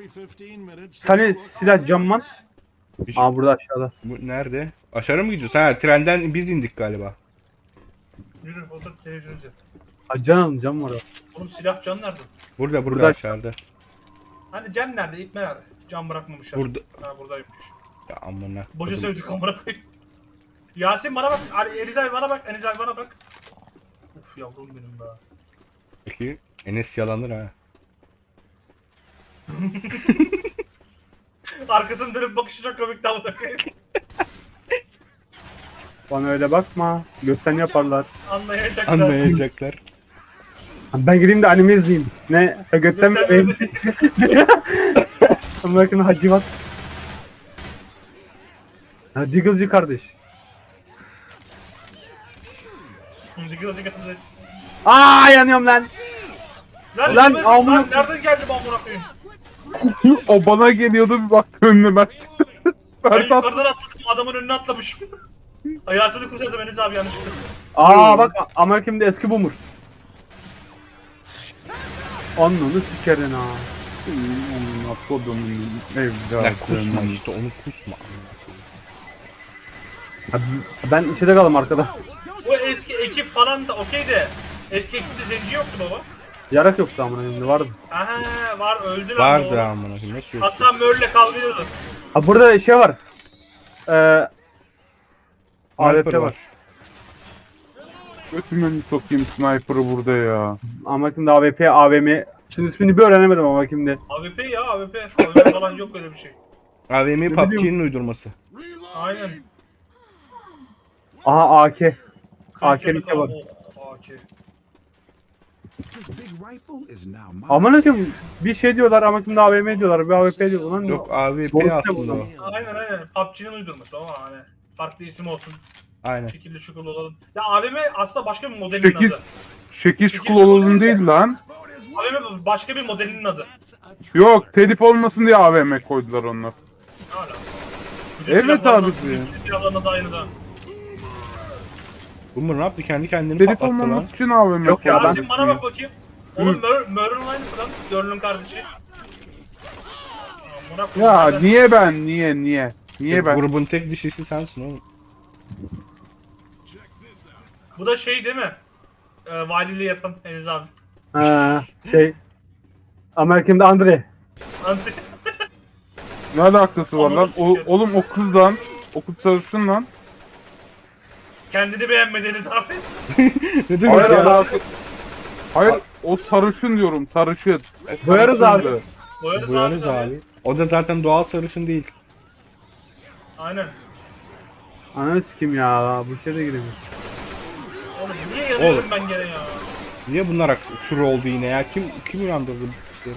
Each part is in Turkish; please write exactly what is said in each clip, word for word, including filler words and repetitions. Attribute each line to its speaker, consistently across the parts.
Speaker 1: Sani silah cam var.
Speaker 2: Bir şey-
Speaker 1: Aa burada aşağıda.
Speaker 2: Bu nerede? Aşağı mı gidiyoruz? Ha, trenden biz indik galiba.
Speaker 3: Yürü otur televizyon izle.
Speaker 1: Aa, can alın cam var.
Speaker 3: Oğlum silah can nerede?
Speaker 2: Burada burada,
Speaker 1: Burada.
Speaker 2: aşağıda.
Speaker 3: Hani can nerede? İp nerede? Can bırakmamışlar.
Speaker 2: Burada.
Speaker 3: Ha buradaymış.
Speaker 2: Ya amına.
Speaker 3: Boşa sövdük amına koyayım. Yasin bana bak. Ali Elizay bana bak. Elizay bana bak. Uf yavrum benim be.
Speaker 2: Peki Enes yalanır ha.
Speaker 3: Arkasını dönüp bakışı çok komikti amına koyayım.
Speaker 1: Bana öyle bakma. Gökten yaparlar.
Speaker 3: Anlayacaklar.
Speaker 2: Anlayacaklar.
Speaker 1: Ben gideyim de anime izleyeyim. Ne? Ha, gökten mi?
Speaker 3: Gökten
Speaker 1: Bakın Hacivat. Ha Diggle'cı kardeş.
Speaker 3: Zıkır zıkır zıkır.
Speaker 1: Aa yanıyorum lan.
Speaker 3: Lan,
Speaker 1: Lan,
Speaker 3: lan,
Speaker 1: amına-
Speaker 3: lan nereden geldi bu amına koyayım?
Speaker 4: O bana geliyordu, bir baktı önüne ben.
Speaker 3: Ben
Speaker 4: Berbat.
Speaker 3: yukarıdan atladım adamın önüne atlamışım. Hayatını kurtardım Enes abi yanlışlıkla.
Speaker 1: Aa bak Amerika'mda eski boomer. Ananı sikerin ha.
Speaker 4: Onun kodumun
Speaker 2: Ya kusma
Speaker 4: evladım.
Speaker 2: işte onu kusma.
Speaker 1: Ha, ben içeri kaldım arkada.
Speaker 3: Bu eski ekip falan da okey de eski ekipte zenci yoktu baba.
Speaker 1: Yarak yoktu amına koyayım vardı.
Speaker 3: Aha var öldü lan
Speaker 2: Vardır
Speaker 3: doğru.
Speaker 2: amına koyayım. Nasıl yok?
Speaker 3: Hatta Mör'le kavga ediyordu.
Speaker 1: Ha burada şey var. Eee A W
Speaker 2: Sniper
Speaker 1: P
Speaker 2: var.
Speaker 1: var.
Speaker 4: Götümü sokayım sniper'ı burada ya.
Speaker 1: Amerika'mda A W P, A V M. Şimdi ismini bir öğrenemedim ama kimde.
Speaker 3: A W P ya A W P. A W P falan yok öyle bir şey.
Speaker 2: A V M
Speaker 1: Ne
Speaker 2: P U B
Speaker 1: bileyim.
Speaker 2: G'nin uydurması.
Speaker 3: Aynen.
Speaker 1: Aha A K. A K'lik var.
Speaker 3: Oh, A K.
Speaker 5: This big rifle is now mine.
Speaker 1: Aman akım bir şey diyorlar Amerika'mda A V M diyorlar. Bir A W P diyorlar. Lan
Speaker 2: Yok A V
Speaker 1: Doğrusu
Speaker 2: P
Speaker 1: ne
Speaker 2: aslında
Speaker 1: bu?
Speaker 2: o.
Speaker 3: Aynen aynen. P U B G'nin uydurması ama hani farklı isim olsun.
Speaker 2: Aynen.
Speaker 3: Şekilli şukul olalım. Ya A V M aslında başka bir modelinin
Speaker 4: Şekil,
Speaker 3: adı.
Speaker 4: şekil şukul olalım değil lan.
Speaker 3: A V M başka bir modelinin adı.
Speaker 4: Yok, telif olmasın diye A V M koydular onlar.
Speaker 3: Hala.
Speaker 4: Evet abi.
Speaker 3: Silahlarına da aynı da.
Speaker 2: Boomer ne yaptı? Kendi kendini
Speaker 4: Telif
Speaker 2: patlattı lan.
Speaker 4: olmaması için A V M
Speaker 1: Yok ya,
Speaker 4: koydular.
Speaker 3: Yasin bana bak bakayım. Oğlum Mör, Mör'ün aynısı lan. Görünün kardeşi. Amına koyayım,
Speaker 4: Ya
Speaker 3: nereden-
Speaker 4: niye ben, niye, niye? Niye ben?
Speaker 2: Grubun tek dişisi sensin oğlum.
Speaker 3: Bu da şey değil mi? Ee, valiyle yatan Enes abi.
Speaker 1: Ha, şey. Amerika'mda Andre.
Speaker 3: Anti.
Speaker 4: Ne alakası var lan?
Speaker 3: Ananı
Speaker 4: O,
Speaker 3: sikerim.
Speaker 4: oğlum o kız lan. O kız sarışın lan.
Speaker 3: Kendini beğenmedi Enes abi.
Speaker 2: Ne demek
Speaker 4: Hayır
Speaker 2: ya?
Speaker 4: alakası. Hayır, o sarışın diyorum, sarışın. O
Speaker 1: Boyarız
Speaker 4: sarışındı.
Speaker 1: abi.
Speaker 3: Boyarız,
Speaker 2: Boyanız
Speaker 3: abi.
Speaker 2: abi. O da zaten doğal sarışın değil.
Speaker 3: Aynen.
Speaker 1: Ananı sikim ya. Bu şey de giremiyor.
Speaker 3: Oğlum niye yanıyorum ben gene ya?
Speaker 2: Niye bunlar aks- sürü oldu yine ya? Kim kim uyandırdı bu işleri?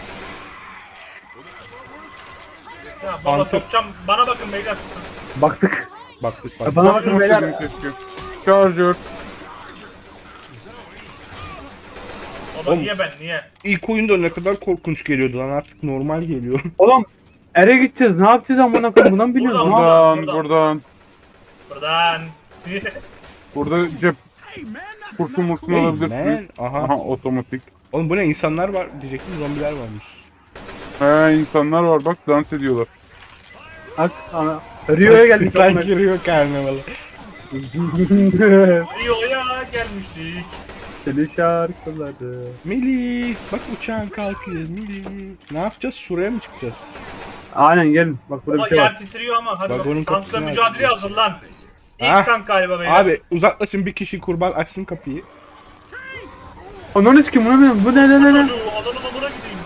Speaker 3: Ya baba
Speaker 2: Antep.
Speaker 3: sokacağım. Bana bakın beyler.
Speaker 1: Baktık.
Speaker 2: Baktık
Speaker 1: Ya
Speaker 2: bak.
Speaker 1: bana bakın beyler.
Speaker 4: Keşke. Charger.
Speaker 3: Baba
Speaker 2: Oğlum.
Speaker 3: niye ben niye?
Speaker 2: İlk oyunda ne kadar korkunç geliyordu lan, artık normal geliyor.
Speaker 1: Oğlum ere gideceğiz. Ne yapacağız amına koyayım? Bundan biliyoruz.
Speaker 3: Buradan,
Speaker 1: Ama
Speaker 4: Buradan,
Speaker 3: buradan.
Speaker 4: buradan.
Speaker 3: Buradan.
Speaker 4: Burada cep kurşun murşun
Speaker 2: Hey
Speaker 4: alabilirsin.
Speaker 2: man. Aha.
Speaker 4: Aha, otomatik.
Speaker 2: Oğlum bu ne, insanlar var diyecektim, zombiler varmış.
Speaker 4: He, insanlar var bak, dans ediyorlar.
Speaker 1: bak ana. Rio'ya geldik.
Speaker 2: Sen
Speaker 1: amına
Speaker 2: giriyor karnavala.
Speaker 1: koyayım.
Speaker 3: Rio'ya gelmiştik.
Speaker 1: Seni şarkıları.
Speaker 2: Melis bak uçağın kalkıyor Melis. Ne yapacağız, şuraya mı çıkacağız?
Speaker 1: Aynen gelin. Bak burada
Speaker 3: Baba
Speaker 1: bir şey
Speaker 3: yer
Speaker 1: var.
Speaker 3: titriyor ama hadi
Speaker 2: Vagonun
Speaker 3: bakalım. Tankla
Speaker 2: kapısını
Speaker 3: mücadeleye
Speaker 2: açtı.
Speaker 3: hazırlan. İlk
Speaker 2: Ah.
Speaker 3: tank galiba beyler.
Speaker 2: Abi uzaklaşın, bir kişi kurban açsın kapıyı.
Speaker 1: Ananı sikim bunu bilmiyorum. Bu ne ne ne ne?
Speaker 3: Çocuğu adamın amına gideyim.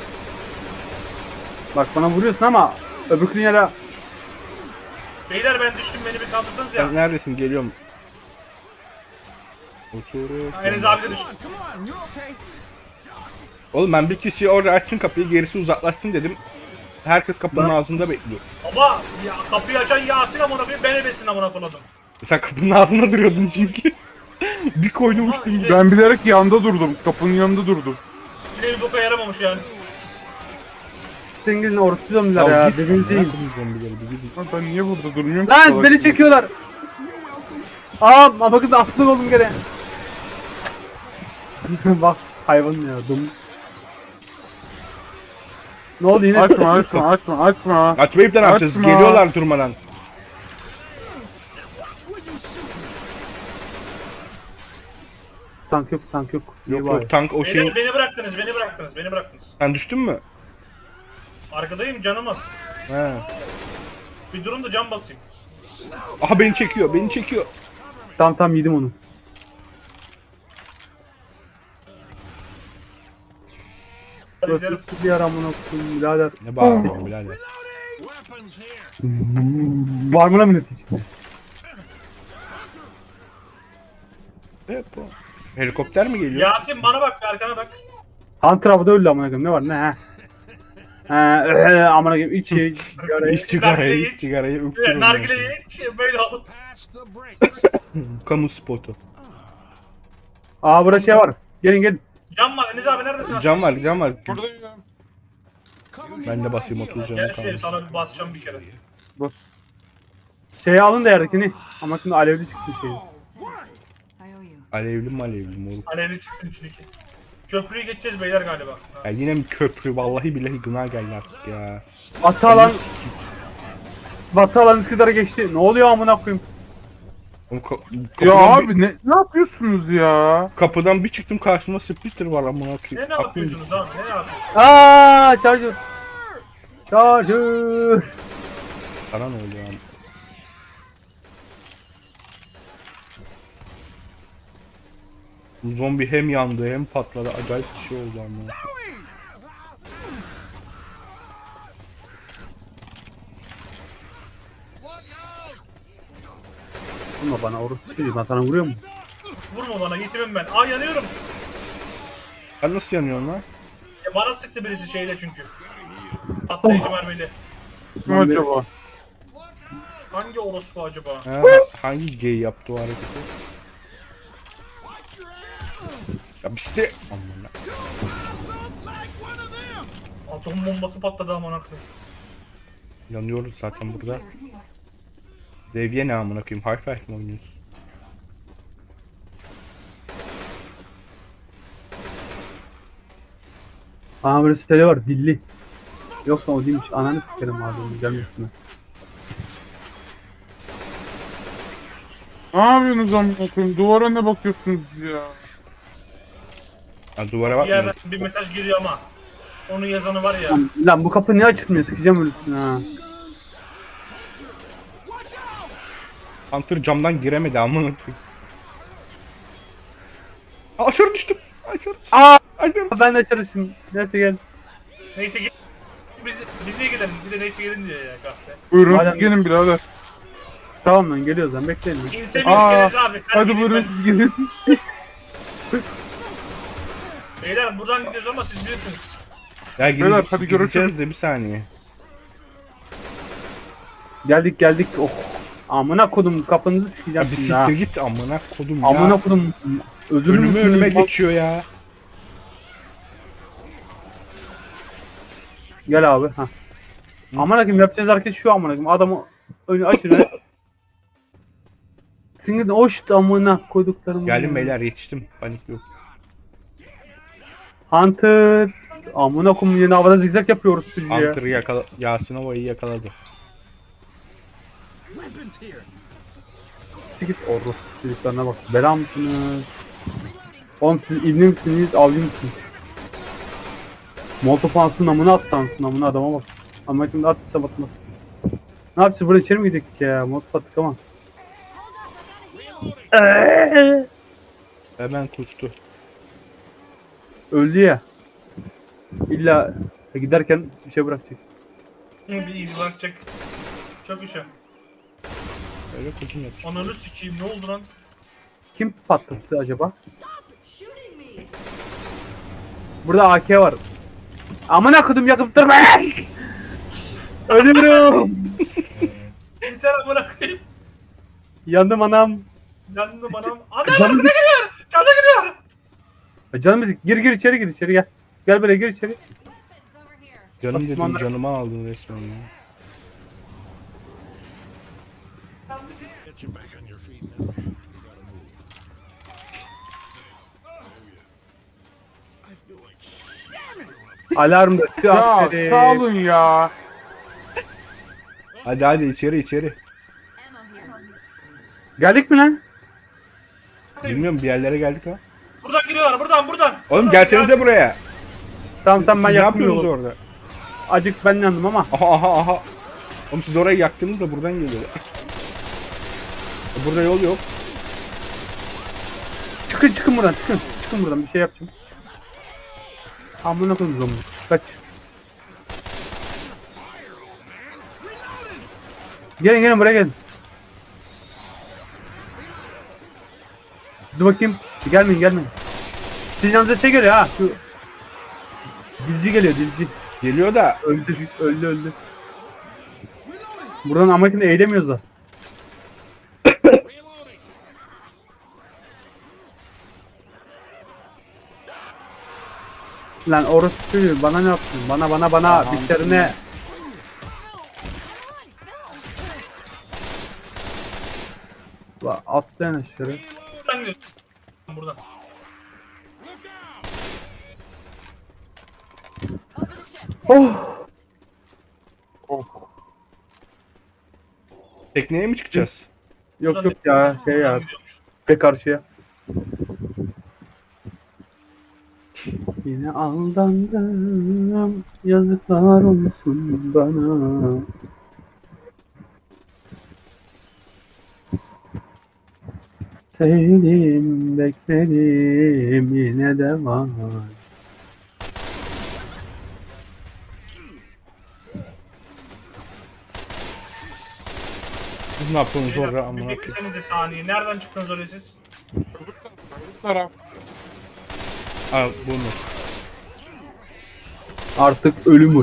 Speaker 1: Bak bana vuruyorsun ama öbür dünyada
Speaker 3: Beyler ben düştüm beni bir kaldırsanız ya.
Speaker 2: Sen neredesin, geliyorum. Oturup.
Speaker 3: Enes abi de düştü.
Speaker 2: Oğlum ben bir kişi orada açsın kapıyı, gerisi uzaklaşsın dedim. Herkes kapının
Speaker 1: Ben-
Speaker 2: ağzında bekliyor.
Speaker 3: Baba ya kapıyı açan Yasin amına koyayım ben ebesin amına koyayım.
Speaker 2: Sen kapının ağzında duruyordun çünkü. Bir koynumuştum.
Speaker 3: Ha, işte-
Speaker 4: Ben bilerek yanda durdum. Kapının yanında durdum.
Speaker 3: Yine bir boka yaramamış yani.
Speaker 1: Sengil'in orası zombiler ya.
Speaker 2: git,
Speaker 1: Birbirinizi yiyin.
Speaker 2: amına koyayım zombileri, bir gidin.
Speaker 4: Lan ben niye burada durmuyorum ki?
Speaker 1: Lan
Speaker 4: Salak
Speaker 1: beni
Speaker 4: gibi.
Speaker 1: çekiyorlar. Aa bakın aslan oldum gene. Bak hayvan ya dum. Ne oldu yine?
Speaker 4: Açma açma açma açma.
Speaker 2: Açmayıp da ne yapacağız?
Speaker 4: Açma.
Speaker 2: Geliyorlar durmadan.
Speaker 1: Tank yok, tank yok. İyi
Speaker 2: Yok
Speaker 1: bari.
Speaker 2: yok tank o
Speaker 3: Beni,
Speaker 2: şeyin...
Speaker 3: beni bıraktınız, beni bıraktınız, beni bıraktınız.
Speaker 2: Sen düştün mü?
Speaker 3: Arkadayım, canım az.
Speaker 2: He.
Speaker 3: Bir durun da can basayım.
Speaker 2: Aha beni çekiyor, beni çekiyor.
Speaker 1: Tamam tamam yedim onu.
Speaker 3: Hadi gidelim.
Speaker 1: Burası bir yer amına koyayım birader.
Speaker 2: Ne bağırıyorsun birader?
Speaker 1: Var mı lan millet içinde?
Speaker 2: Ne bu? Helikopter mi geliyor?
Speaker 3: Yasin bana bak, arkana bak.
Speaker 1: Hunter avda öldü amına koyayım. Ne var ne ha? Ha, öhe, amına koyayım iç ye. sigara
Speaker 2: İç
Speaker 1: ye.
Speaker 2: sigarayı,
Speaker 3: Nargileyi
Speaker 2: iç
Speaker 3: iç.
Speaker 2: sigarayı öptürün.
Speaker 3: Nargileyi iç, böyle alıp.
Speaker 2: Kamu spotu.
Speaker 1: Aa burada şey var. Gelin gelin.
Speaker 3: Can var, Enes abi neredesin?
Speaker 2: Cam var, cam var.
Speaker 4: Buradayım.
Speaker 2: Ben de basayım otuz canım
Speaker 3: Gel şuraya,
Speaker 2: kaldı.
Speaker 3: sana bir basacağım bir kere.
Speaker 1: Bas. Şeyi alın da yerdekini. Ama şimdi alevli çıksın şey.
Speaker 6: I owe you.
Speaker 2: Alevli mi alevli moruk.
Speaker 3: Alevli çıksın içindeki. Köprüyü geçeceğiz beyler galiba. Ha.
Speaker 2: Ya yine mi köprü? Vallahi billahi gına geldi artık ya.
Speaker 1: Batı alan. Batı alan Üsküdar'a geçti. Ne oluyor amına koyayım?
Speaker 2: Oğlum ka-
Speaker 4: Ya
Speaker 2: kapıdan bir-
Speaker 4: abi ne, ne yapıyorsunuz ya?
Speaker 2: kapıdan bir çıktım karşıma splitter var amına
Speaker 3: Ne
Speaker 2: koyayım.
Speaker 3: ne
Speaker 2: Aklım-
Speaker 3: yapıyorsunuz lan? Ne yapıyorsunuz?
Speaker 1: Aa, charger. Charger.
Speaker 2: Sana ne oluyor abi? Bu zombi hem yandı hem patladı. Acayip bir şey oldu ama.
Speaker 1: Vurma bana orası çocuğu. Ben sana vuruyor mu?
Speaker 3: Vurma bana, yetimim ben. Aa yanıyorum.
Speaker 2: Sen nasıl yanıyorsun lan?
Speaker 3: Ya bana sıktı birisi şeyle çünkü. Patlayıcı mermiyle.
Speaker 4: Kim acaba?
Speaker 3: Hangi orospu acaba?
Speaker 2: Ha, hangi gay yaptı o hareketi? Ya işte... Aman ha.
Speaker 3: Atom bombası patladı amına koyayım.
Speaker 2: Yanıyoruz zaten burada. Devye ne amına koyayım? Half-Life mi oynuyorsun?
Speaker 1: Aa böyle siteli var dilli. Yoksa o değilmiş. Ananı sikerim abi onu gelmesin.
Speaker 4: Ne yapıyorsunuz amına koyayım? Duvara ne bakıyorsunuz ya?
Speaker 2: Ha, duvara
Speaker 3: Bir
Speaker 2: bakmıyor.
Speaker 3: yerden bir mesaj giriyor ama. Onun yazanı var ya.
Speaker 1: Lan, lan bu kapı niye açılmıyor? Sikeceğim ölüsünü ha.
Speaker 2: Hunter camdan giremedi amına koyayım. Aa, aşağı düştüm. Aşağı düştüm.
Speaker 1: Aa!
Speaker 2: Aşağı
Speaker 1: Ben de çalışayım. Neyse gel.
Speaker 3: Neyse git. Biz, biz niye gidelim? Bir de neyse gelin diyor ya kahve.
Speaker 4: Buyurun
Speaker 1: Madem-
Speaker 4: siz gelin birader.
Speaker 1: Tamam lan geliyoruz lan bekleyin lan.
Speaker 3: İnse bir
Speaker 4: Aa,
Speaker 3: geliriz abi.
Speaker 4: Hadi
Speaker 3: gideyim
Speaker 4: buyurun
Speaker 3: ben.
Speaker 4: siz gelin.
Speaker 3: Beyler buradan gidiyoruz ama siz bilirsiniz.
Speaker 2: Ya
Speaker 4: Beyler,
Speaker 2: gideceğiz,
Speaker 4: hadi
Speaker 2: gideceğiz
Speaker 4: görüşürüz.
Speaker 2: de bir saniye.
Speaker 1: Geldik geldik. Oh. Amına kodum kapınızı
Speaker 2: Ya
Speaker 1: sikeceğim
Speaker 2: bir
Speaker 1: şimdi ha.
Speaker 2: siktir git amına kodum ya.
Speaker 1: Amına kodum. Özür
Speaker 2: Önüme
Speaker 1: müsün?
Speaker 2: önüme geçiyor ya.
Speaker 1: Gel abi. Ha. Amına koyayım yapacağız hareket şu amına koyayım. Adamı önü açın. Singin hoşt amına koyduklarım.
Speaker 2: Geldim beyler yetiştim. Panik yok.
Speaker 1: Hunter. Amına koyayım yine havada zigzag yapıyoruz siz ya.
Speaker 2: Hunter yakala Yasin Ova'yı yakaladı.
Speaker 5: Weapons here.
Speaker 1: Git orada çocuklarına bak. Bela mısınız? Oğlum siz ibne misiniz? Avcı mısınız? Molotov ansın amına at ansın amına adama bak. Ama şimdi attıysa batmaz. Ne yapacağız burada içeri mi gidecek ya? Molotov attık ama. Eee!
Speaker 2: Hemen kustu.
Speaker 1: Öldü ya. İlla giderken bir şey bırakacak.
Speaker 3: Hı, bir iz bırakacak. Çok işe.
Speaker 2: Öyle kuzum yapış.
Speaker 3: Ananı sikeyim ne oldu lan?
Speaker 1: Kim patlattı acaba?
Speaker 6: Shooting me.
Speaker 1: Burada A K var. Amına kodum yakıp durma! Ölüyorum!
Speaker 3: Yeter amına koyayım.
Speaker 1: Yandım anam.
Speaker 3: Yandım anam. Anam
Speaker 1: Canım-
Speaker 3: canım gidiyor. Canım gidiyor.
Speaker 1: Canım gir gir içeri gir içeri gel. Gel böyle gir içeri.
Speaker 6: It's over here.
Speaker 2: Canım dedim
Speaker 1: Osmanlı-
Speaker 2: canımı aldın resmen ya.
Speaker 5: Get you back on your feet now.
Speaker 1: Alarm da şu
Speaker 4: Ya
Speaker 1: askeri.
Speaker 4: sağ olun ya.
Speaker 2: Hadi hadi içeri içeri.
Speaker 6: Ammo here.
Speaker 1: Geldik mi lan?
Speaker 2: Bilmiyorum bir yerlere geldik ha.
Speaker 3: Buradan giriyorlar buradan buradan.
Speaker 2: Oğlum
Speaker 3: Buradan,
Speaker 2: gelsenize
Speaker 3: Yasin.
Speaker 2: buraya.
Speaker 1: Tamam tamam ben
Speaker 2: Siz ne
Speaker 1: yaktım
Speaker 2: yapıyorsunuz
Speaker 1: yolu.
Speaker 2: orada?
Speaker 1: Acık ben yandım ama.
Speaker 2: Aha aha aha. Oğlum siz orayı yaktınız da buradan geliyor. Burada yol yok.
Speaker 1: Çıkın çıkın buradan çıkın. Çıkın buradan bir şey yapacağım. Amına koyayım zombi. Kaç. Gelin gelin buraya gelin. Dur bakayım. Gelmeyin gelmeyin. Sizin yanınıza şey geliyor ha. Şu dilci geliyor dilci.
Speaker 2: Geliyor da
Speaker 1: Öldü öldü öldü. Buradan amakini eğilemiyoruz da. Lan orası çocuğu bana ne yaptın? Bana bana bana bitlerine. La atlayan aşağı.
Speaker 3: Buradan giriyorsun. Buradan.
Speaker 6: Over the ship.
Speaker 1: Oh.
Speaker 4: Oh.
Speaker 2: tekneye mi çıkacağız?
Speaker 1: Yok yok ya şey ya.
Speaker 3: Buradan gidiyormuş.
Speaker 1: Ve karşıya. Yine aldandım. Yazıklar olsun bana. Sevdim, bekledim, yine de var.
Speaker 2: Siz ne yapıyorsunuz
Speaker 3: Bir
Speaker 2: orada
Speaker 3: dakika,
Speaker 2: amına
Speaker 3: Bir
Speaker 2: koyayım?
Speaker 3: beklesenize saniye. Nereden çıktınız öyle siz?
Speaker 4: Bu taraf.
Speaker 2: Ha bunu.
Speaker 1: Artık ölümür.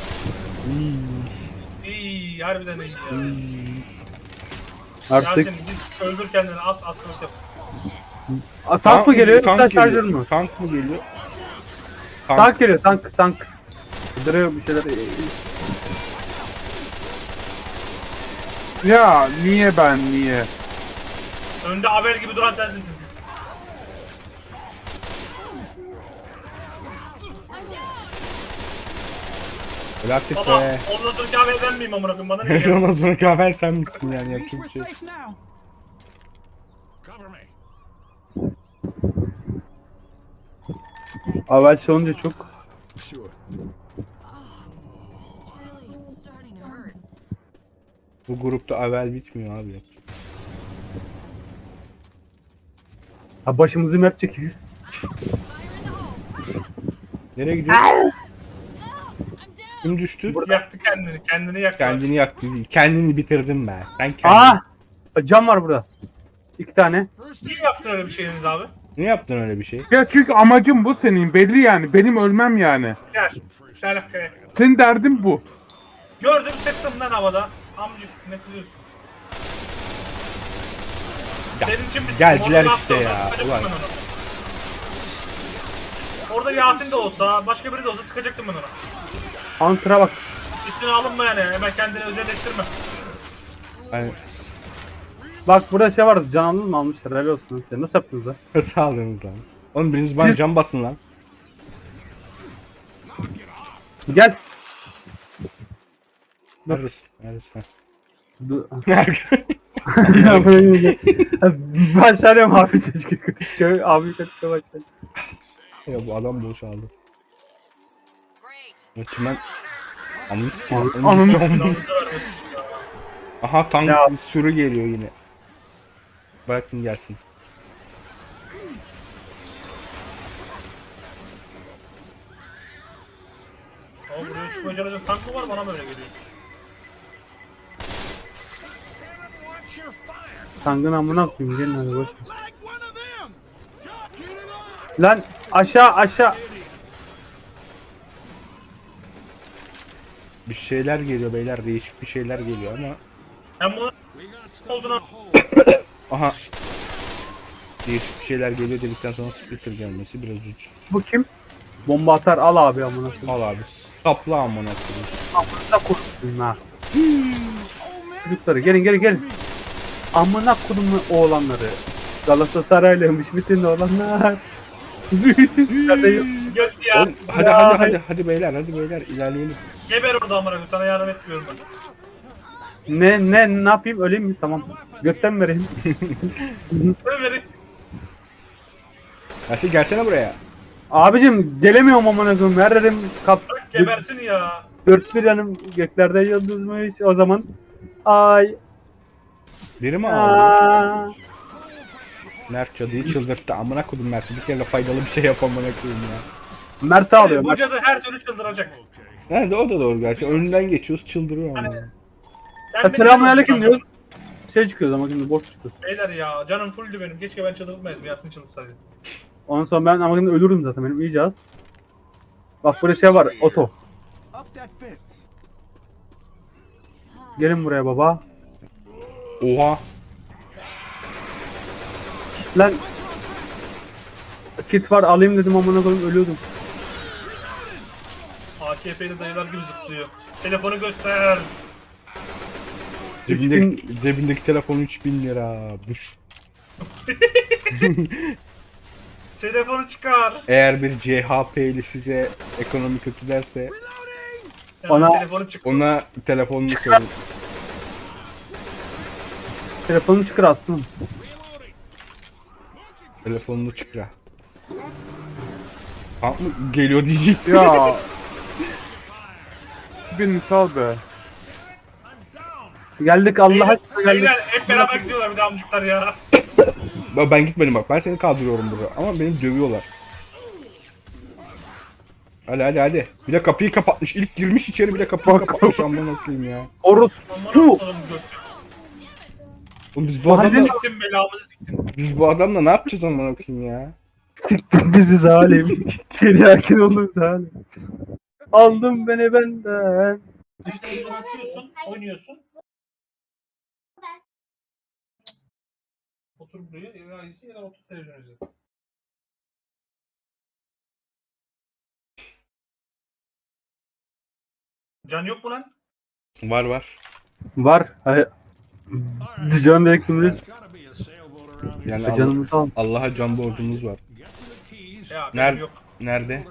Speaker 3: İyi harbiden iyi ya.
Speaker 1: Artık
Speaker 3: Yasin git öldür kendini as askılık yap.
Speaker 1: A, tank mı geliyor yoksa şarjör
Speaker 2: geliyor.
Speaker 1: mü?
Speaker 2: Tank mı geliyor?
Speaker 1: Tank geliyor tank tank. Kıdırıyor bir şeyler.
Speaker 4: Ya niye ben niye?
Speaker 3: Önde Abel gibi duran sensin çünkü.
Speaker 2: Bıraktık
Speaker 3: Baba
Speaker 2: be.
Speaker 3: ondan sonra Abel ben miyim amına koyayım bana ne geliyor?
Speaker 2: Ondan sonra kahver sen misin yani
Speaker 5: At least
Speaker 2: yapacak bir
Speaker 5: we're
Speaker 2: şey.
Speaker 5: safe now. Cover me.
Speaker 1: Avel çalınca çok.
Speaker 5: Sure.
Speaker 6: This is really starting to hurt.
Speaker 2: Bu grupta avel bitmiyor abi.
Speaker 1: Ha başımızı map çekiyor.
Speaker 6: Fire in the hole.
Speaker 2: Nereye gidiyor?
Speaker 6: I'm down.
Speaker 2: Kim düştü?
Speaker 3: Yaktı kendini kendini yaktı.
Speaker 2: Kendini yaktı. Kendini bitirdin be. Sen kendini.
Speaker 1: Aa! Cam var burada. İki tane.
Speaker 3: Niye yaptın öyle bir şey Deniz abi?
Speaker 2: Niye yaptın öyle bir şey?
Speaker 4: Ya çünkü amacım bu senin belli yani. Benim ölmem yani.
Speaker 3: Gel. Gel hakikaten.
Speaker 4: Senin derdin bu.
Speaker 3: Gördüm sıktım lan havada. Amcık ne kızıyorsun? Senin için bir
Speaker 2: geldiler
Speaker 3: Orada
Speaker 2: işte
Speaker 3: olsa
Speaker 2: ya,
Speaker 3: sıkacaktım
Speaker 2: ulan.
Speaker 3: ben onu. Orada Yasin de olsa, başka biri de olsa sıkacaktım ben ona.
Speaker 1: Hunter'a bak.
Speaker 3: Üstüne alınma yani, hemen kendini özelleştirme.
Speaker 2: Hani
Speaker 1: Bak burada şey vardı. Can aldın mı almışlar. Helal olsun lan size. Nasıl yaptınız lan?
Speaker 2: sağ olunuz lan. Oğlum biriniz bana
Speaker 1: Siz-
Speaker 2: cam basın lan.
Speaker 1: Gel.
Speaker 2: Neredesin? Neredesin? Ha.
Speaker 1: Dur.
Speaker 2: Nerede?
Speaker 1: Ya böyle- Başarıyorum abi çocuk kötü çıkıyor. Abi kötü çıkıyor başarıyorum.
Speaker 2: Ya bu adam boşaldı.
Speaker 6: Great.
Speaker 2: Çimen... Anladın
Speaker 1: Anladın-
Speaker 2: mı?
Speaker 1: anladın-
Speaker 3: Yalnızca vermesin.
Speaker 2: Aha tank
Speaker 1: Ya.
Speaker 2: sürü geliyor yine. Bırakın gelsin.
Speaker 3: Ama buraya çıkmaya çalışan tank mı var bana böyle geliyor.
Speaker 1: Tankın amına koyayım. Gelin hadi boş. ver.
Speaker 5: Like one of them. Get it on.
Speaker 1: Lan aşağı aşağı.
Speaker 2: Bir şeyler geliyor beyler, değişik bir şeyler geliyor ama.
Speaker 3: Hem bunu olduğuna
Speaker 2: Aha. Değişik bir şeyler geliyor dedikten sonra splitter gelmesi biraz uç.
Speaker 1: Bu kim? Bomba atar al abi amına koyayım.
Speaker 2: Al abi. Sapla amına koyayım.
Speaker 1: Amına koyayım ha. Çocukları gelin gelin gelin. Amına koyayım oğlanları. Galatasaraylıymış bütün oğlanlar. Nerede yok?
Speaker 3: Göt ya.
Speaker 2: Oğlum, hadi hadi hadi hadi beyler hadi beyler ilerleyelim.
Speaker 3: Geber orada amına koyayım. Sana yardım etmiyorum ben.
Speaker 1: Ne ne ne yapayım öleyim mi? Tamam. Götten mi vereyim?
Speaker 3: Ömer'i.
Speaker 2: Yasin gelsene buraya.
Speaker 1: Abicim gelemiyorum amına koyayım. Her yerim kap.
Speaker 3: Bırak gebersin ya.
Speaker 1: Dört bir yanım göklerde yıldızmış o zaman. Ay.
Speaker 2: Biri mi aldı?
Speaker 1: Aa.
Speaker 2: Mert cadıyı çıldırttı. Amına kodum Mert. Bir kere faydalı bir şey yap amına koyayım ya.
Speaker 1: Mert'i alıyor.
Speaker 3: Bu
Speaker 1: Mert.
Speaker 3: cadı her türlü çıldıracak.
Speaker 2: Nerede o da doğru gerçi. Önünden geçiyoruz çıldırıyor ama.
Speaker 3: Ben
Speaker 1: Selamünaleyküm
Speaker 3: biliyorum
Speaker 1: diyoruz. Şey çıkıyoruz ama şimdi boş çıkıyoruz.
Speaker 3: Beyler ya canım fulldü benim. Keşke ben çıldırtmayaydım. Yasin çıldırsaydı.
Speaker 1: Ondan sonra ben ama şimdi ölürüm zaten benim iyice az. Bak burada şey var oto.
Speaker 5: Up that fence.
Speaker 1: Gelin buraya baba.
Speaker 2: Oha.
Speaker 1: Lan. Kit var alayım dedim amına koyayım ölüyordum.
Speaker 3: A K P'li dayılar gibi zıplıyor. Telefonu göster.
Speaker 2: Cebindeki, cebindeki telefon üç bin lira. Buş.
Speaker 3: Telefonu çıkar.
Speaker 2: Eğer bir C H P'li size ekonomi kötü derse
Speaker 3: Yani
Speaker 1: Ona-
Speaker 3: telefonu çık.
Speaker 2: ona telefonunu sorun.
Speaker 1: Telefonum çıkar aslında.
Speaker 2: Telefonunu çıkra. Tank mı geliyor diyecek.
Speaker 4: Ya. Beni sal be.
Speaker 1: Geldik Allah
Speaker 3: Beyler,
Speaker 1: aşkına geldik.
Speaker 3: beyler hep beraber gidiyorlar bir de amcuklar ya.
Speaker 2: Ben ben gitmedim bak. Ben seni kaldırıyorum burada. Ama beni dövüyorlar. Hadi hadi hadi. Bir de kapıyı kapatmış. İlk girmiş içeri bir de kapıyı kapatmış. Aman okuyayım ya.
Speaker 1: Orus.
Speaker 3: Aman
Speaker 1: Su.
Speaker 3: Allah'ım göt.
Speaker 2: Oğlum biz bu
Speaker 1: Mahalle-
Speaker 2: adamla,
Speaker 3: Siktim belamızı siktim.
Speaker 2: biz bu adamla ne yapacağız aman okuyayım ya.
Speaker 1: Siktin bizi zalim. Tiryakin olun zalim. Aldın beni benden.
Speaker 3: İşte bunu açıyorsun, oynuyorsun. Otur buraya, ya izle ya da otur televizyon izle. Can yok mu lan?
Speaker 2: Var var.
Speaker 1: Var. Hayır. Can dediğimiz
Speaker 2: Yani Allah,
Speaker 1: canımızı al.
Speaker 2: Allah'a can borcumuz var.
Speaker 3: Ya benim
Speaker 2: Nerede?
Speaker 3: yok.
Speaker 2: Nerede?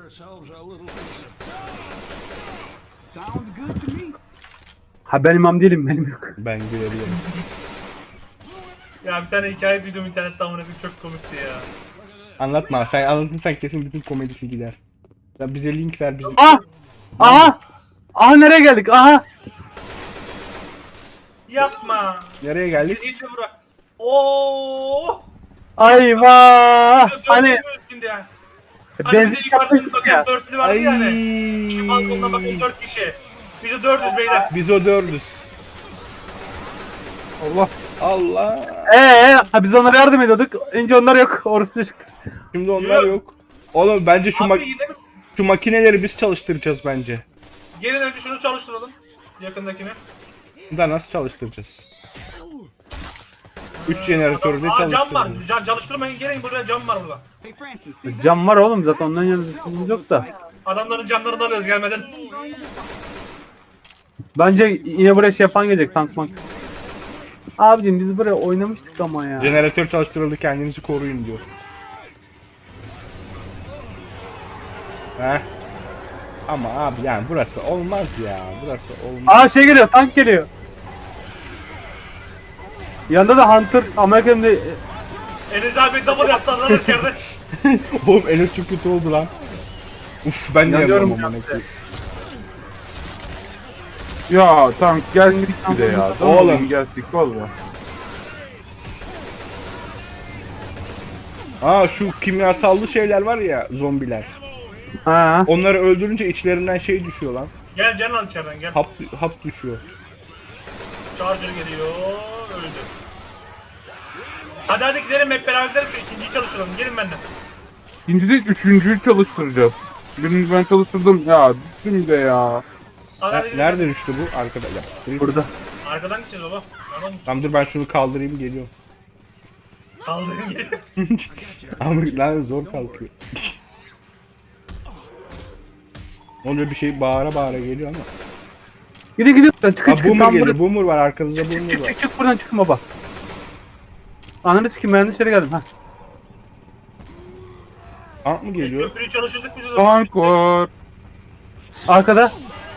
Speaker 5: Sounds good to me.
Speaker 1: Ha ben imam değilim benim yok.
Speaker 2: Ben görebiliyorum.
Speaker 3: Ya bir tane hikaye videom internette amına koyayım çok komikti ya.
Speaker 2: Anlatma. Sen anlatırsan kesin bütün komedisi gider. Ya bize link ver bizim.
Speaker 1: Ah! Aha! Aha nereye geldik? Aha!
Speaker 3: Yapma.
Speaker 2: Nereye geldik?
Speaker 3: İyice bırak. Oo!
Speaker 1: Ayva! Hani
Speaker 3: Şimdi ya.
Speaker 1: benzin
Speaker 3: bize
Speaker 1: çarpmış
Speaker 3: yukarıda bakın
Speaker 1: ya.
Speaker 3: dörtlü vardı ya hani. Şu balkonda bakın dört kişi. Biz de dördüz beyler.
Speaker 2: Biz o dördüz.
Speaker 4: Allah.
Speaker 2: Allah.
Speaker 1: Ee, ha biz onlara yardım ediyorduk. İnce onlar yok. Orası çıktı.
Speaker 2: Şimdi onlar yok. Oğlum bence şu,
Speaker 3: Abi
Speaker 2: mak-
Speaker 3: yine mi?
Speaker 2: şu makineleri biz çalıştıracağız bence.
Speaker 3: Gelin önce şunu çalıştıralım. Yakındakini.
Speaker 2: Da nasıl çalıştıracağız? üç jeneratörü de
Speaker 3: Aa cam var.
Speaker 2: çalıştıracağız.
Speaker 3: Can, çalıştırmayın gelin buraya cam var burada.
Speaker 5: Hey Francis, see that?
Speaker 1: Cam var oğlum zaten ondan yana sıkıntımız yok da.
Speaker 3: Adamların canlarını alıyoruz gelmeden.
Speaker 1: Bence yine buraya şey yapan gelecek tank mank. Abicim biz buraya oynamıştık ama ya.
Speaker 2: Jeneratör çalıştırıldı kendinizi koruyun diyor. Heh. Ama abi yani burası olmaz ya. Burası olmaz.
Speaker 1: Aa şey geliyor tank geliyor. Yanında da Hunter Amerika'nın da
Speaker 3: Enes abi double yaptı lan içeride.
Speaker 2: Oğlum Enes çok kötü oldu lan. Uf ben de
Speaker 1: Yanıyorum
Speaker 2: yapıyorum amına koyayım.
Speaker 4: Ya tank geldik bir de ya.
Speaker 2: Oğlum.
Speaker 4: Oğlum geldik valla.
Speaker 2: Aa şu kimyasallı şeyler var ya zombiler.
Speaker 1: ha.
Speaker 2: Onları öldürünce içlerinden şey düşüyor lan.
Speaker 3: Gel can al içeriden gel.
Speaker 2: Hap hap düşüyor.
Speaker 3: Charger geliyor. Öldü. Hadi hadi gidelim hep beraber gidelim şu ikinciyi çalıştıralım. Gelin benden.
Speaker 4: İkinci değil üçüncüyü çalıştıracağız. Birini ben çalıştırdım ya. Düştüm de ya.
Speaker 3: Hadi hadi gidelim.
Speaker 2: Nerede düştü bu? Arkada. Ya.
Speaker 1: Burada.
Speaker 3: Arkadan gideceğiz baba. Tamam mı?
Speaker 2: Tamam dur ben şunu kaldırayım geliyorum.
Speaker 3: Kaldırın gelin.
Speaker 2: Ama lan zor kalkıyor. Oluyor bir şey bağıra bağıra geliyor ama.
Speaker 1: Gidin gidin çıkın
Speaker 2: Aa
Speaker 1: çıkın
Speaker 2: boomer
Speaker 1: tam
Speaker 2: geliyor.
Speaker 1: buraya.
Speaker 2: Boomer var arkanızda
Speaker 1: Çık
Speaker 2: boomer
Speaker 1: çık
Speaker 2: var.
Speaker 1: çık çık buradan çıkın baba. Ananı sikeyim ben dışarı geldim ha.
Speaker 2: Tank mı geliyor?
Speaker 3: Köprüyü çalıştırdık biz o zaman.
Speaker 4: Tank var.
Speaker 1: Arkada.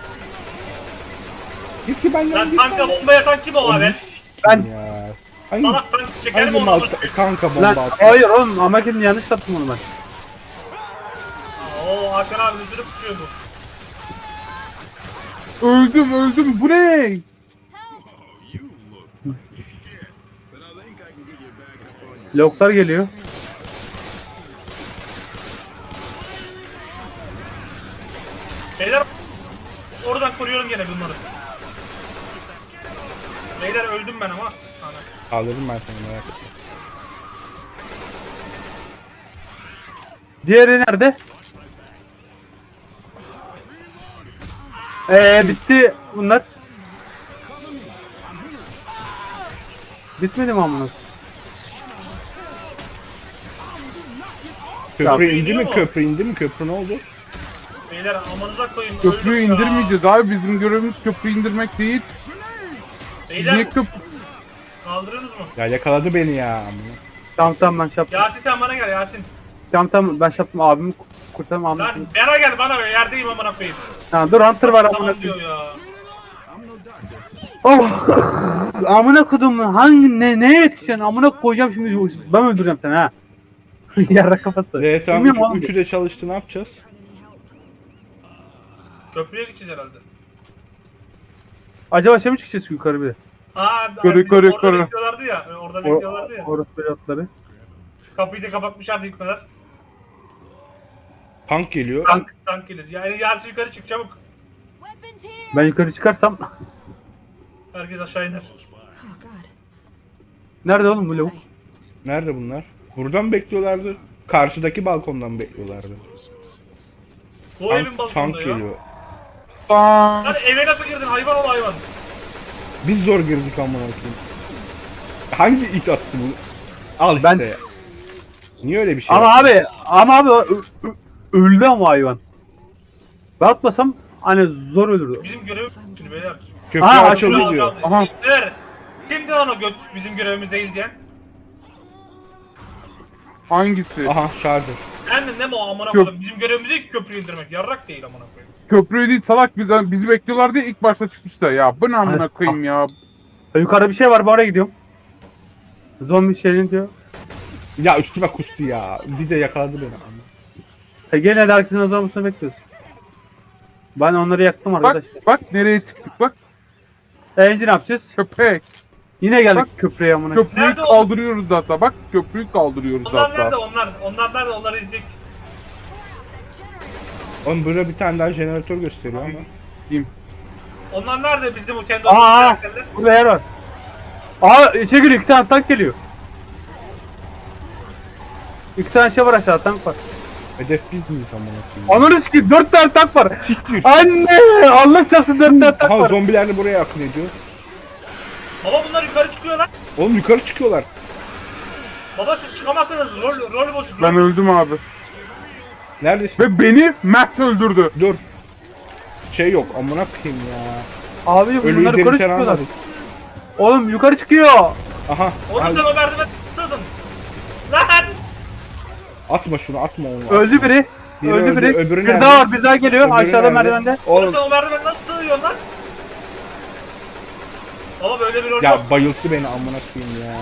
Speaker 2: Git ki benden
Speaker 3: Lan
Speaker 2: git.
Speaker 3: tanka bomba yatan kim o abi?
Speaker 1: Ben-
Speaker 2: Ya. Hangi,
Speaker 3: Salak tank çeker mi
Speaker 2: hangi
Speaker 3: onu?
Speaker 2: mal tanka bomba
Speaker 1: Lan
Speaker 2: atıyor?
Speaker 1: hayır oğlum Amerika'nın yanlış yaptım onu ben.
Speaker 3: Oo Hakan abi üzülüp kusuyor bu.
Speaker 4: Öldüm öldüm. Bu ne?
Speaker 1: Loklar geliyor.
Speaker 3: Beyler oradan koruyorum gene bunları. Beyler öldüm ben ama. Ana.
Speaker 2: Kaldırdım ben seni merak etme.
Speaker 1: Diğeri nerede? Eee bitti bunlar. Bitmedi mi amına?
Speaker 2: Köprü
Speaker 1: Ya,
Speaker 2: indi mi?
Speaker 3: mu?
Speaker 2: Köprü indi mi? Köprü ne oldu?
Speaker 3: Beyler amanıza koyun.
Speaker 4: Köprüyü
Speaker 3: öldüm ya.
Speaker 4: indirmeyeceğiz abi. Bizim görevimiz köprüyü indirmek değil. Siz niye
Speaker 3: Beyler
Speaker 4: köprü...
Speaker 3: kaldırıyorsunuz mu?
Speaker 2: Ya yakaladı beni ya.
Speaker 1: Tamam tamam ben şey yaptım.
Speaker 3: Yasin sen bana gel Yasin.
Speaker 1: Tamam tamam ben şey yaptım abimi kurtarım abimi.
Speaker 3: Lan bana gel bana be yerdeyim amına koyayım.
Speaker 1: Ha, dur Hunter var amına
Speaker 3: Tamam
Speaker 1: koyayım.
Speaker 3: diyor ya.
Speaker 1: Oh! Amına kodum hangi ne neye yetişeceksin amına koyacağım şimdi ben öldüreceğim seni ha. Yarra kafası.
Speaker 2: Evet tamam
Speaker 1: Bilmiyorum oğlum.
Speaker 2: üç, üçü de çalıştı ne yapacağız?
Speaker 3: Köprüye gideceğiz herhalde.
Speaker 1: Acaba şey mi çıkacağız yukarı bir de?
Speaker 3: Aa,
Speaker 4: Yukarı,
Speaker 3: bizim
Speaker 4: yukarı,
Speaker 3: orada
Speaker 4: yukarı.
Speaker 3: bekliyorlardı ya. Orada bekliyorlardı ya.
Speaker 1: Orası pilotları.
Speaker 3: Kapıyı da kapatmışlardı hükmeler.
Speaker 2: Tank geliyor.
Speaker 3: Tank, tank gelir. Yani Yasin yukarı çık çabuk.
Speaker 6: Weapons here.
Speaker 1: Ben yukarı çıkarsam
Speaker 3: Herkes aşağı iner.
Speaker 6: Oh God.
Speaker 1: nerede oğlum bu lavuk?
Speaker 2: Nerede bunlar? Buradan mı bekliyorlardı? Karşıdaki balkondan mı bekliyorlardı?
Speaker 3: Bu evin
Speaker 2: Tank, tank
Speaker 3: balkonunda ya.
Speaker 2: geliyor.
Speaker 4: Tank.
Speaker 3: Lan eve nasıl girdin hayvan ol hayvan.
Speaker 2: Biz zor girdik amına koyayım. Hangi it attı bunu? Al
Speaker 1: Ben-
Speaker 2: işte. Niye öyle bir şey
Speaker 1: Ama
Speaker 2: yaptın?
Speaker 1: abi ama abi ö- ö- öldü ama hayvan. Ben atmasam hani zor ölürdü.
Speaker 3: Bizim görev şimdi beyler.
Speaker 2: Köprü
Speaker 1: Aa,
Speaker 2: açıldı
Speaker 3: Görev
Speaker 2: diyor.
Speaker 3: alacağım.
Speaker 4: Aha.
Speaker 3: Beyler, kimdi lan o göt bizim görevimiz değil diyen?
Speaker 4: Hangisi?
Speaker 2: Aha şarjör.
Speaker 3: Endin ne mi o amına
Speaker 4: Köp-
Speaker 3: koyayım? Bizim görevimiz değil ki köprüyü indirmek. Yarrak değil amına koyayım.
Speaker 4: Köprüyü değil salak biz, bizi bekliyorlar diye ilk başta çıkmışlar ya. Bu ne amına
Speaker 1: Hayır.
Speaker 4: koyayım ya.
Speaker 1: Ha, yukarıda bir şey var ben oraya gidiyorum. Zombi şeyini diyor.
Speaker 2: Ya üstüme kustu ya. Bir de yakaladı beni.
Speaker 1: Ha, gene de herkesin azalmasını bekliyoruz. Ben onları yaktım
Speaker 4: Bak
Speaker 1: arkadaşlar.
Speaker 4: bak nereye çıktık bak.
Speaker 1: E, Enci ne yapacağız?
Speaker 4: Köpek.
Speaker 1: Yine geldik
Speaker 4: Bak.
Speaker 1: köprüye amına.
Speaker 4: Köprüyü
Speaker 3: Nerede o?
Speaker 4: kaldırıyoruz hatta. Bak köprüyü kaldırıyoruz
Speaker 3: Onlar
Speaker 4: hatta.
Speaker 3: nerede onlar? Onlar nerede? Onları izleyecek.
Speaker 2: Oğlum burada bir tane daha jeneratör gösteriyor ama.
Speaker 4: Diyeyim.
Speaker 3: Onlar nerede bizim o kendi
Speaker 1: Aa!
Speaker 3: olduğumuz karakterler?
Speaker 1: Burada yer var. Aa içe geliyor iki tane tank geliyor. İki tane şey var aşağıda tank var.
Speaker 2: Hedef biz miyiz amına koyayım?
Speaker 1: Ananı sikeyim dört tane tank var.
Speaker 2: Siktir.
Speaker 1: Anne Allah çarpsın dört tane tank
Speaker 2: Aha
Speaker 1: var.
Speaker 2: zombiler de buraya akın ediyor.
Speaker 3: Baba bunlar yukarı çıkıyor lan.
Speaker 2: Oğlum yukarı çıkıyorlar.
Speaker 3: Baba siz çıkamazsınız. Rol, rol bozuk.
Speaker 4: Ben
Speaker 3: rol-
Speaker 4: öldüm abi.
Speaker 2: Neredesin?
Speaker 4: Ve beni Mert öldürdü.
Speaker 2: Dur. Şey yok amına koyayım ya.
Speaker 1: Abi
Speaker 2: Ölüyü
Speaker 1: bunlar yukarı
Speaker 2: delikten
Speaker 1: çıkıyorlar.
Speaker 2: almadık.
Speaker 1: Oğlum yukarı çıkıyor.
Speaker 2: Aha.
Speaker 3: Oğlum
Speaker 2: al.
Speaker 3: sen o merdivene sığdın. Lan!
Speaker 2: Atma şunu atma onu.
Speaker 1: Öldü biri.
Speaker 2: Biri
Speaker 1: öldü
Speaker 2: öldü,
Speaker 1: biri.
Speaker 2: öbürü
Speaker 1: bir
Speaker 2: nerede?
Speaker 1: daha var bir daha geliyor
Speaker 2: Öbürü
Speaker 1: aşağıda
Speaker 2: nerede?
Speaker 1: merdivende.
Speaker 3: Oğlum
Speaker 2: Oğlum
Speaker 3: sen o merdivene nasıl sığıyorsun lan? Baba böyle bir rol yok.
Speaker 2: ya bayılttı beni amına koyayım ya.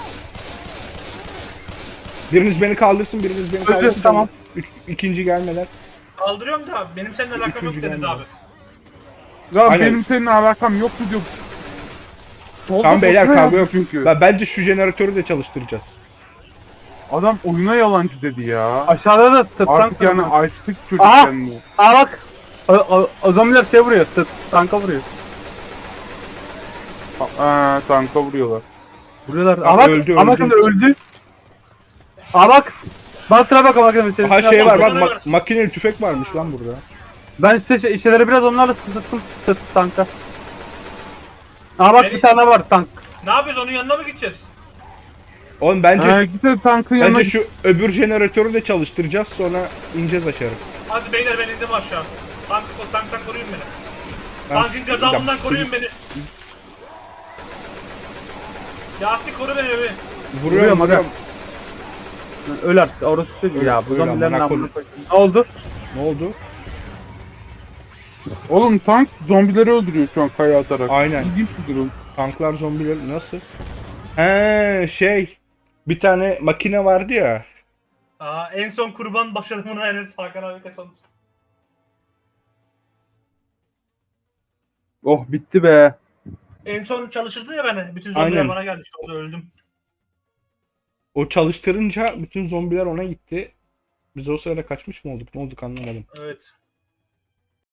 Speaker 2: Biriniz beni kaldırsın, biriniz beni
Speaker 1: Öldü,
Speaker 2: kaldırsın.
Speaker 1: tamam.
Speaker 2: Üç, ikinci gelmeden.
Speaker 3: Kaldırıyorum da benim seninle alakam yok
Speaker 2: Üçüncü
Speaker 3: Deniz
Speaker 2: gelmedi.
Speaker 3: abi.
Speaker 4: Ya
Speaker 2: Aynen.
Speaker 4: benim seninle alakam yoktu diyor. Solda
Speaker 2: Tamam beyler
Speaker 4: boşuna
Speaker 2: kavga
Speaker 4: yaptı
Speaker 2: yok.
Speaker 4: çünkü.
Speaker 2: Ben, bence şu jeneratörü de çalıştıracağız.
Speaker 4: Adam oyuna yalancı dedi ya.
Speaker 1: Aşağıda da tıp tank
Speaker 4: Artık yani
Speaker 1: var.
Speaker 4: açtık çocuk
Speaker 1: Aha!
Speaker 4: kendini.
Speaker 1: Aa bak. O, o, o zombiler şey vuruyor. Tıp tanka vuruyor.
Speaker 4: Aa, tanka vuruyorlar.
Speaker 1: Vuruyorlar.
Speaker 2: Bak,
Speaker 1: Aa bak.
Speaker 2: öldü,
Speaker 1: Ama
Speaker 2: öldü.
Speaker 1: şimdi öldü. Aa bak. Baltıra bak ama şimdi.
Speaker 2: Aha şey var bak
Speaker 3: Bunları
Speaker 2: ma-
Speaker 3: ver.
Speaker 2: makineli tüfek varmış lan burada.
Speaker 1: Ben işte şey, işçileri biraz onlarla sıktım tıp tanka. Aa bak
Speaker 3: Beni-
Speaker 1: bir tane var tank.
Speaker 3: Ne yapıyoruz onun yanına mı gideceğiz?
Speaker 2: Oğlum bence
Speaker 4: Ha, git de tankın yanına
Speaker 2: bence şu öbür jeneratörü de çalıştıracağız sonra ineceğiz aşağı.
Speaker 3: Hadi beyler ben indim aşağı. Tank, tanktan koruyun beni.
Speaker 2: Ben
Speaker 3: Tankın gazabından
Speaker 2: Ya,
Speaker 3: koruyun beni. Yasin koru beni beni.
Speaker 2: Vuruyorum
Speaker 1: Vuruyorum, aga.
Speaker 2: vuruyorum.
Speaker 1: Öl artık orası çocuğu ya. Bu
Speaker 2: Öl
Speaker 1: zombilerin
Speaker 2: amına
Speaker 1: amına
Speaker 2: koyayım.
Speaker 1: koyayım. Ne oldu?
Speaker 2: Ne oldu?
Speaker 4: Oğlum tank zombileri öldürüyor şu an kaya atarak.
Speaker 2: Aynen.
Speaker 4: İlginç bir durum.
Speaker 2: Tanklar zombiler nasıl? He şey. Bir tane makine vardı ya.
Speaker 3: Aa, en son kurban başarımını Enes Hakan abi kazandı.
Speaker 4: Oh bitti be.
Speaker 3: En son çalıştırdı ya beni. Bütün zombiler
Speaker 2: Aynen.
Speaker 3: bana geldi. İşte orada öldüm.
Speaker 2: O çalıştırınca bütün zombiler ona gitti. Biz o sırada kaçmış mı olduk? Ne olduk anlamadım.
Speaker 3: Evet.